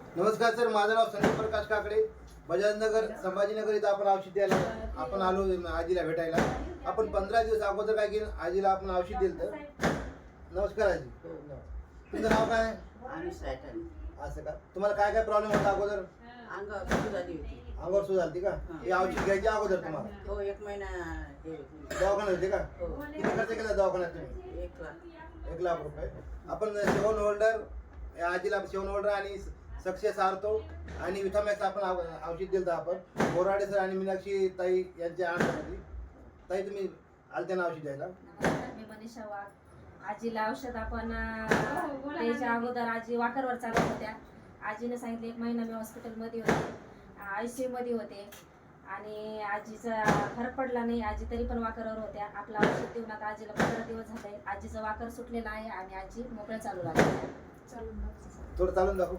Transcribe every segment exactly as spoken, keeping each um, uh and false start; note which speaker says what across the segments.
Speaker 1: नमस्कार सर, माझं नाव संदीप प्रकाश काकडे, बजाजनगर संभाजीनगर इथं आपण औषध द्यायला आपण आलो आजीला भेटायला. आपण पंधरा दिवस अगोदर काय केलं, आजीला आपण औषध दिलं. नमस्कार आजी, तुमचं नाव काय? असं का? तुम्हाला काय काय प्रॉब्लेम होता अगोदर?
Speaker 2: अंगावर सूज आली होती.
Speaker 1: अंगावर सूज आली का? हे औषध घ्यायच्या अगोदर तुम्हाला
Speaker 2: हो, एक महिना हे
Speaker 1: दवाखान्यात होते का?
Speaker 2: हो.
Speaker 1: किती खर्च केला दवाखान्यात तुम्ही?
Speaker 2: एक लाख.
Speaker 1: एक लाख रुपये. आपण सेवन होल्डर या आजीला सेवन होल्डर आणि सक्सेस आर्थो आणि विथामॅक्स आपण औ- औषध दिलं आपण बोराडे सर आणि मीनाक्षी ताई यांच्या अंडरमध्ये. ताई तुम्ही आलते ना औषध द्यायला?
Speaker 3: मी मनीषा वाघ. आजीला औषध आपण अं, त्याच्या अगोदर आजी वाकरवर चालत होत्या. आजीने सांगितले एक महिना मी हॉस्पिटलमध्ये होते, आय सी यूमध्ये होते आणि आजीचा फरक पडला नाही. आजी तरी पण वाकरवर होत्या. आपलं औषध देऊन आता आजीला पंधरा दिवस झाले. आजीचं वाकर सुटलेलं आहे आणि आजी मोकळं चालू लागली.
Speaker 1: थोडं चालून दाखवू.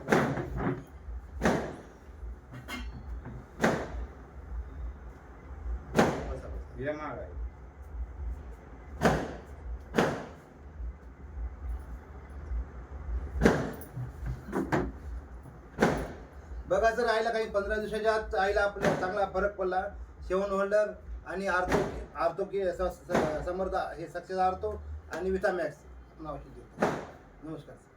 Speaker 4: ये माग आहे.
Speaker 1: बघा सर, आईला काही पंधरा दिवसाच्या आत आईला आपल्याला चांगला फरक पडला. सेवन होल्डर आणि आर्थो आर्थो की स- स- समर्थ हे सक्सेस आर्थो आणि विथामॅक्स आपण औषध देतो. नमस्कार.